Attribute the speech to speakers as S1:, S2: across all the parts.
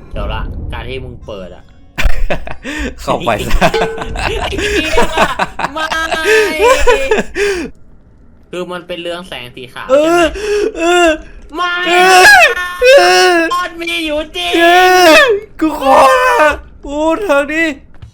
S1: เดี๋ยวละการที่มึงเปิดอ่ะ
S2: เข้าไปซะ
S1: ไม่คือมันเป็นเรื่องแสงสีขาว
S2: เอ
S1: ใช่ไหม
S2: อ
S1: ไม่บอลมีอยู่จริง
S2: กูขอพูดทางนี้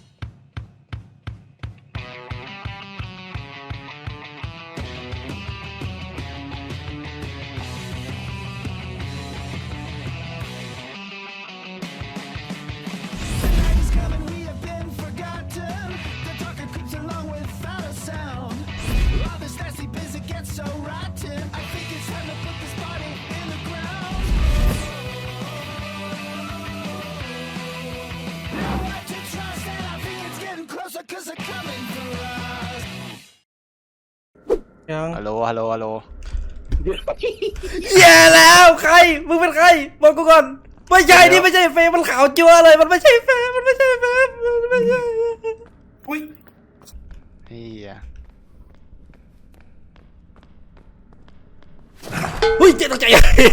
S2: ยัง
S3: ฮัลโหลฮัลโหลฮัลโหล
S2: แย่แล้วใครมึงเป็นใครบอกกูก่อนไม่ใช่นี่ไม่ใช่เฟย์มันขาวจัวเลยมันไม่ใช่เฟย์มันไม่ใช่เฟย์มันไม่ใช่
S4: อุ้ย
S3: เฮีย
S2: อุ้ยเจ็บตกใจ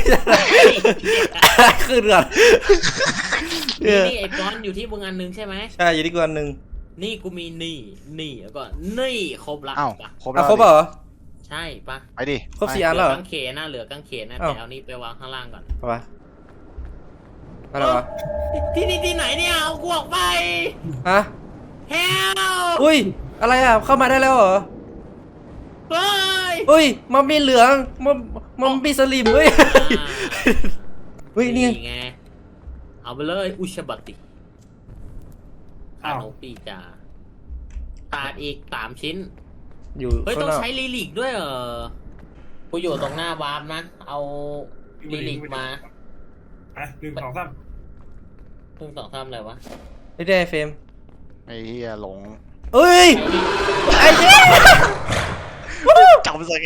S2: ขึ้นก่อน
S1: นี่ไอ้บอลอยู่ที่มึงอันนึงใช่ไหม
S2: ใช่อยู่ที่กวนหนึ่ง
S1: นี่กูมีนี่แล้วก็นี่ครบละ
S3: อ้าว
S1: ปะ
S3: ครบ
S2: อ่ะ
S3: แล้ว
S2: ครบเหรอ
S1: ใช่ปะ
S3: ไปดิ
S2: ครบ4 อันแล้วเหรอ
S1: กางเขนนะเหลือกางเขนนะ
S2: อ้าว
S1: แต่เอานี่ไปวางข้างล่างก่อน
S2: เอาไปอะไรวะ
S1: ที่ไหนเนี่ยเอากูออกไป
S2: ฮะ
S1: เฮล
S2: อุ้ยอะไรอ่ะเข้ามาได้แล้วเหรอ
S1: เฮ้ย
S2: อุ้ยมันมีเหลืองมันมีสลิมเฮ้ยเฮ้ยนี่
S1: ไงเอาไปเลยอุชบัติขนมปีจาขาดอีก3 ชิ้น
S2: อยู่
S1: เฮ้ย
S2: ข้าง
S1: ต้อน ง
S2: อก
S1: ใช้ลิลิกด้วยเหรอกูอยู่ตรงหน้าวาร์ปนะ เอาลิลิกมา
S4: อ่ะ1 2 3
S1: เพิ่ง2 3อะไรวะ
S2: ไม่ได้เฟรม
S3: ไอ้เฮียหลง
S2: เอ้ยไอ้เหี้ย
S3: จำซะไง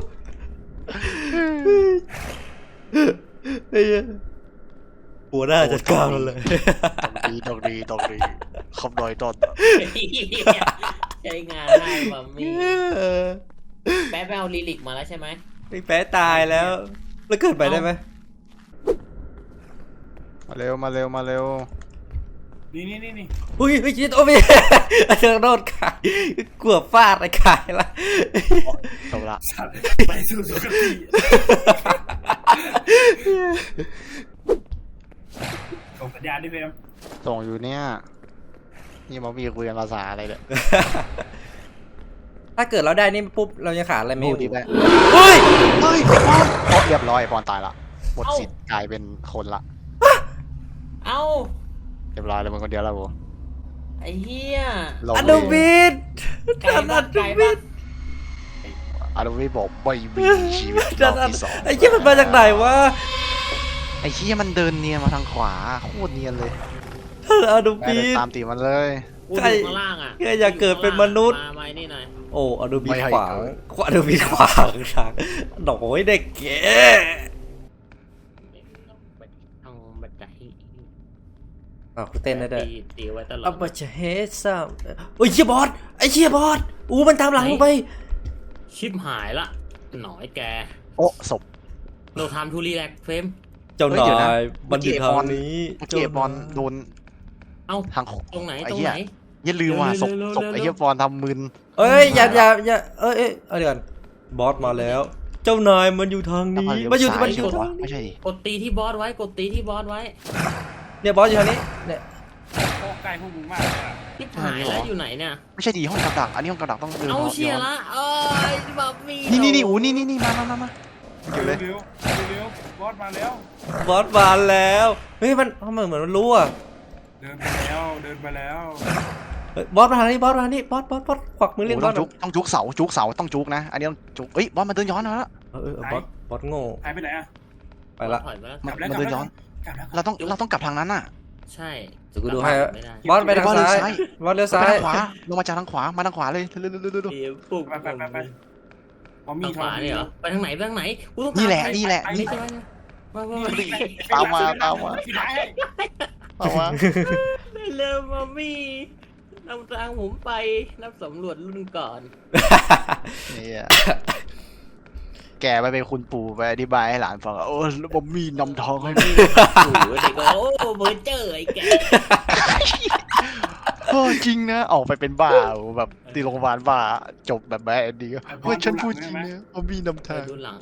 S2: ไอ้เหี้ยหัวหน้าจัดการมันเลย
S3: ต้องดีคำน้อยต้น
S1: ใช้งานได้มัมมี่แป๊บไปเอาลิลิกมาแล้วใช่ไหม
S2: ไอ้แป๊ะตายแล้วแล้วเกิดไปได้ไหม
S3: มาเร็วมาเร็วมาเร็ว
S4: นี่
S2: อุ้ยเฮ้ยจิตโอ้ยอาจารย์โดนขายกลัวฟาดไอ้ขายละ
S3: จบละ
S4: สัตว์ไปสู่สุคติส่งสัญญาณดิเฟรม
S3: ส่งอยู่เนี่ยนี่มามีคุยกันภาษาอะไรเนี่ย
S2: ถ้าเกิดเราได้นี่ปุ๊บเราจะขาดอะไรไหม
S3: พูดดีแหละ
S2: เฮ้ย
S3: เฮ้ยปอนโอ้เรียบร้อยปอนตายละหมดสิทธิ์กลายเป็นคนละ
S1: เอ้า
S3: เรียบร้อยเลยมึงคนเดียวแล้วกู
S1: ไอ้เหี้ย
S3: ลง
S2: อนุบิด
S1: ไก่บ้านไก่บ้าน
S3: อนุวิบอกไม่มีชีวิตร
S2: จั
S3: อ
S2: ด
S3: บที่ 2
S2: ไอ้เหี้ยมันมาจากไหนวะ
S3: ไอ้เหี้ยมันเดินเนียนมาทางขวาโคตรเนียนเลย
S2: อนุ
S3: ไป
S2: บิ
S3: เลย
S2: ด
S3: ตามตีมันเลย
S1: กูอยู่ข้างล่างอ่ะ
S2: แค่อยากเกิดเป็นมนุษย์
S1: มานี่หน่อย
S2: โอ้อนุบิด
S3: ไม่ให้
S2: ขวางอนุบิดขวางทางดอกโอ้ยเด็กเก๋
S1: เอาบัตรใจ
S2: อ้าวเต้นได้ด้วย
S1: ตีไว้ตลอ
S2: อั
S1: ด
S2: ปเชเฮซัมโอ้ยเชี่ยบอสไอ้เชี่ยบอสอู้มันตามหลังลงไป
S1: ชิบหายละหน่อยแก
S3: โอ้ศพ
S1: เราทำทูรีแลกเฟรม
S2: เจ้า
S3: เฮ้
S2: นาย
S3: เดี๋ยวนะ
S2: มันอยู่ทางนี้
S3: เมื่อกี้ไอ้บอลโดน
S1: เอ้า
S3: ทาง
S1: ตรงไหน
S3: อ้
S1: ตรง
S3: เหี้ย
S1: ไหน
S3: อย่าลืมว่าศพ
S1: เร็วๆ
S3: ศพไอ้เหี้ยบอลทำมึน
S2: เอ้ยอย่าเอ้ยเดี๋ยวก่อนบอสมาแล้ว เจ้านายมันอยู่ทางนี้มันอยู่
S3: ซ้า
S2: มันอ
S3: ใช่
S2: ยู่
S3: ปะ
S2: ทาง
S3: วะ
S2: นี้
S3: ไม่ใช่ดิ
S1: กดตีที่บอสไว้กดตีที่บอสไว้
S2: เนี่ยบอสอยู่ทางนี้เนี่ย
S4: โอ้ใกล้พวกมึงมากเลยอะ
S1: ชิบหายแล้วอยู่ไหนเนี่ย
S3: ไม่ใช่ดีห้องกับดักอันนี้ห้องกับดักต้องเดิน
S1: เอา
S3: ย้อน
S1: เชียร์ละเอ้ยแบบมี
S3: นี่อูนี่มาอยู่เลย
S4: เร็วบอสมาแล้ว
S2: บอสมาแล้วเฮ้ยมันทำไมเหมือนมันรู้อ่ะ
S4: เดินไปแล้ว
S2: เฮ้ยบอสมาทางนี้บอสมาทางนี้บอสขวักมือเล่นบ
S3: ต้
S2: อ
S3: อ
S2: ส
S3: งจุกเสาต้องจุกนะอันนี้ต้องจุกเอ้ยบอลมันเดินย้อนมาแล้ว
S2: บอสโง่
S4: หายไปไหนอะ
S2: ไปละ
S1: ถอยมาแล้ว
S3: มันเดินย้อน
S4: กลับแล้ว
S3: เราต้องกลับทางนั้นน่ะ
S1: ใช่
S2: เดี๋ยวกูดูให้
S1: ไม่ได้
S2: บอสไปทางซ้ายบอสเลี้ยวซ้าย
S3: ไปทางขวาลงมาจากทางขวามาทางขวาเลยเร็ว
S1: เดี๋ยวปุ๊บ
S4: ไปพอมี
S1: ทางขวาเนี่ยเหรอไปทางไหนกูต้อง
S3: นี่แหละ
S1: ใช่ไหมมา
S3: ตามมา
S4: ที่ไหน
S1: เร็วมามี่นำทางผมไปนับสำรวจรุ่นก่อน
S3: นี่แกแก่ไปเป็นคุณปู่ไปอธิบายให้หลานฟังโอ้บอมมี่นำทางให้พี่
S1: โอ้โหเด็กก็โอ้เบอร์เจอร์ไอ้แก
S3: โอ้จริงนะออกไปเป็นบ้าแบบตีโรงพยาบาลบ้าจบแบบแบดเอนดิ้งว่าฉันพูดจริงนะบอมมี่นำทาง
S1: ดูหลัง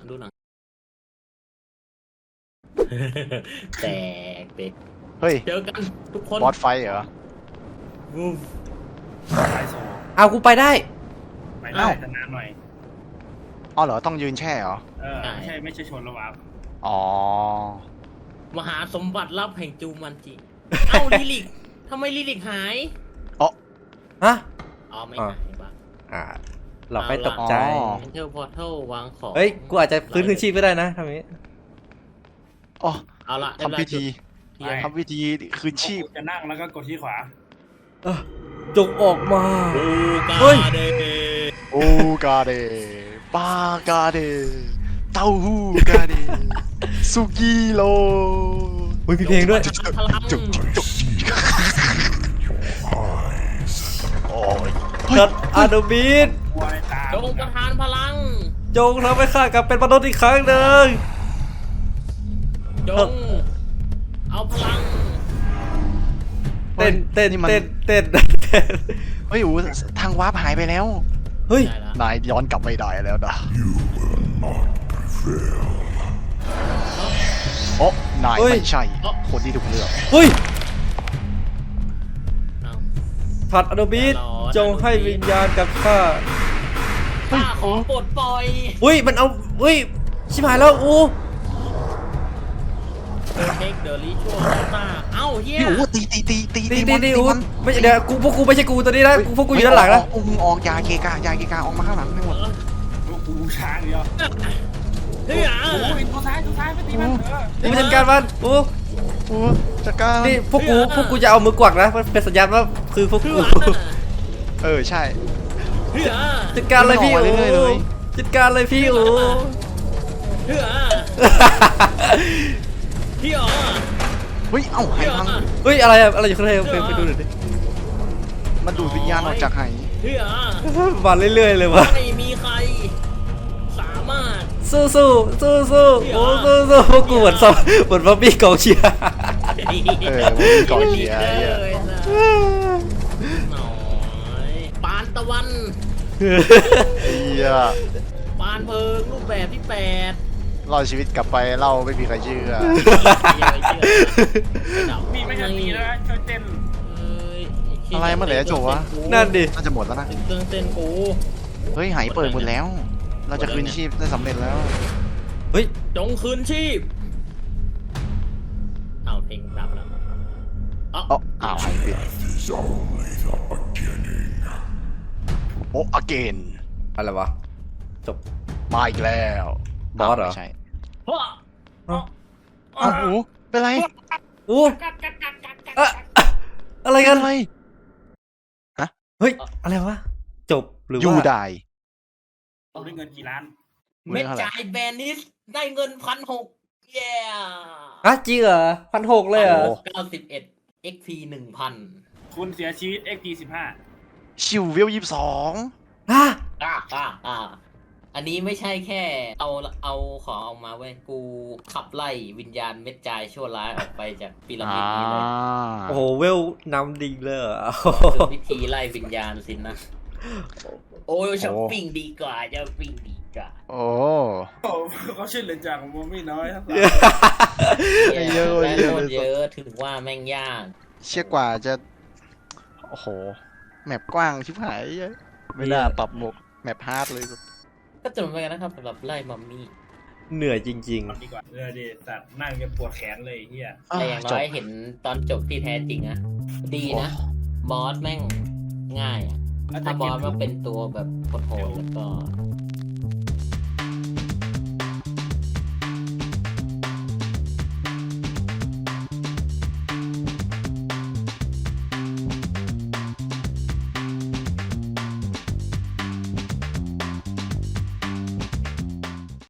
S1: แตกเด็ก
S3: เฮ้ย
S1: เจอกันทุกคน
S3: บอสไฟเหรอ
S1: วูฟ
S4: สายโซ
S2: เอากูไปได้
S4: ไปได้แต่นานหน่อย
S3: อ๋อเหรอต้องยืนแช่เหรอ
S4: ไม่ใช่ชนระหว่าง
S3: อ๋อ
S1: มหาสมบัติลับแห่งจูมันจิ เอ้าลิลิกทำไมลิลิกหาย
S2: ฮะ
S1: อ๋อไม่หายปะ
S2: เราไม่ตกใจ
S1: เอนเทอร์พอร์ทัลวางของ
S2: เฮ้ย กูอาจจะฟื้นคืนชีพก็ได้นะทำนี้
S3: อ๋อ
S1: เอาละ
S3: ทำพิธี
S1: เทียน
S3: ทำพิธีคืนชีพ
S4: จะนั่งแล้วก็กดที่ขวา
S2: จงออกมา
S1: บูกา
S2: เฮ้ย
S1: เด
S3: โอ้กาเดปากาเดเต้าหู้กาเดสุกิโล
S2: อุ้ยมีเพลงด้วย
S1: พลัง
S3: โอ้ย
S2: จัดอาโดบีด
S4: กลัวในตา
S1: จงประทานพลัง
S2: จงทำให้ข้ากลับเป็นมนุษย์อีกครั้งหนึ่ง
S1: จง เอาพลัง
S2: เต้น
S3: เฮ้ยอูทางวาร์ปหายไปแล้ว
S2: เฮ้ย
S1: ได้แล้ว
S3: นายย้อนกลับไม่ได้แล้วนะโอ้นาย
S2: เฮ้ย
S3: ไม่ใช่ คนที่ถูกเลือก
S2: เฮ้ย
S1: เอา
S2: ผัดอาโดบีดจงให้วิญญาณกับข้า
S1: ข้าขอปลดปล่อย
S2: อุ้ย มันเอาอุ้ย ชิบหายแล้วอู
S1: เทคเดอรี่ชั่วตาเอ้าเฮีย
S3: พี่อูตี
S2: ดีอูไม่เดี๋ยวกูพวกกูไม่ใช่กูตัวนี้นะพวกกูอยู่ด้านหลังนะ
S3: ออกยาเกกาออกมาข้างหลังให้หมด
S4: ลูกกูช้างเดียว
S1: เฮ้ยอ่ะ
S4: โอ้ยตัวซ้ายไปตีมัน
S2: นี่มันจัดการมันอู
S3: อูจัดการ
S2: นี่พวกกูจะเอามือกวักนะมันเป็นสัญญาณว่าคือพวก
S1: เฮ้ย
S2: กู
S3: ใช่
S1: เฮ้ยอ่ะ
S2: จัดการเลยพี่
S3: มัน
S2: อู
S3: ออกมาเรื่อยๆเลย
S2: จัดการเลยพี่อู
S1: เฮ้ยอ่ะพี่อ๋อ
S3: เฮ้ยเอ้าหายพัง
S2: เฮ้ยอะไรอะไรอยู่ข้างในไปดูหน่อยดิ
S3: มันดูดวิญญาณออกจากไห
S1: เฮ้ยอ่ะ
S2: มาเรื่อยๆเลยวะ
S1: ไม่มีใคร สามารถ
S2: สู้โอ้สู้พวกกูเหมือนซอมเหมือนบ๊อบบี้กองเชียร์
S3: มันมีกองเชียร์ไอ้เหี้ย
S1: เลยนะหน่อยปานตะวัน
S3: ไอ้เหี้ย
S1: ปานเพิงรูปแบบที่แปด
S3: รอดชีวิตกลับไปเล่าไม่มีใครเชื่อ
S4: มีไม่ใช่ตีแล้วช่วยเต้น
S3: อะไรเมื่อไหร่จะจบวะ
S2: นั่นดิ
S3: น่าจะหมดแล้วนะ
S1: เครื่องเต้นกู
S3: เฮ้ยหายเปิดหมดแล้ว เราจะคืนชีพได้สำเร็จแล้ว
S2: เฮ้ย
S1: จงคืนชีพเอาเพลงดับแล้ว
S3: อ้าวหายปิดโอ้ again
S2: อะไรวะจบ
S3: มาอีกแล้ว
S2: บอสเหรอ
S3: ไม่ใช่
S1: เพราะ
S3: อ้าวหูเป็นไร
S2: อู้อะไรกัน
S3: อะไร
S2: เฮ้ยอะไรวะจบหรือ
S3: ยู
S2: ว่า
S3: ได้
S4: เราได้เงินกี่ล้าน
S1: เม็ดจ่ายแบนนิสได้เงิน1,600เย้
S2: อ่ะจริงเหรอ1,600เลยเหรอ
S1: 91 XP 1,000
S4: คุณเสียชีวิต XP
S3: ชิววิว22
S2: อ่ะ
S1: อันนี้ไม่ใช่แค่เอาของออกมาเว้ยกูขับไล่วิญญาณเม็ดจ่ายชั่วร้ายออกไปจากพีระมิดนี้เลย
S2: โอ้โหเวลนำดิ่งเลยเหรอ
S1: คือวิธีไล่วิญญาณสินะ โอ้ยช้อปปิ้งดีกว่าช้อปปิ้งดีกว่า
S3: โอ้
S4: โอ้เขาช่วยเหลือจากผมไม่น้อยทั้งสาม
S3: เยอะ
S1: แม่ง
S3: เยอะ
S1: โคตรเยอะถึงว่าแม่งยาก
S3: เชื่อกว่าจะโอ้โหแมปกว้างชิบหายไม่น่าปรับหมกแมปฮาร์ดเลย
S1: ก็จบไปกันนะครับสำหรับไล่มัมมี่
S2: เหนื่อยจริง
S4: ดีกว่าดิสัตว์นั่งจนปวดแขนเลยเฮีย
S1: แต่อย่างน้อยเห็นตอนจบที่แท้จริงอะดีนะ บอสแม่งง่ายอะถ้าบอสมันเป็นตัวแบบโหดๆแล้วก็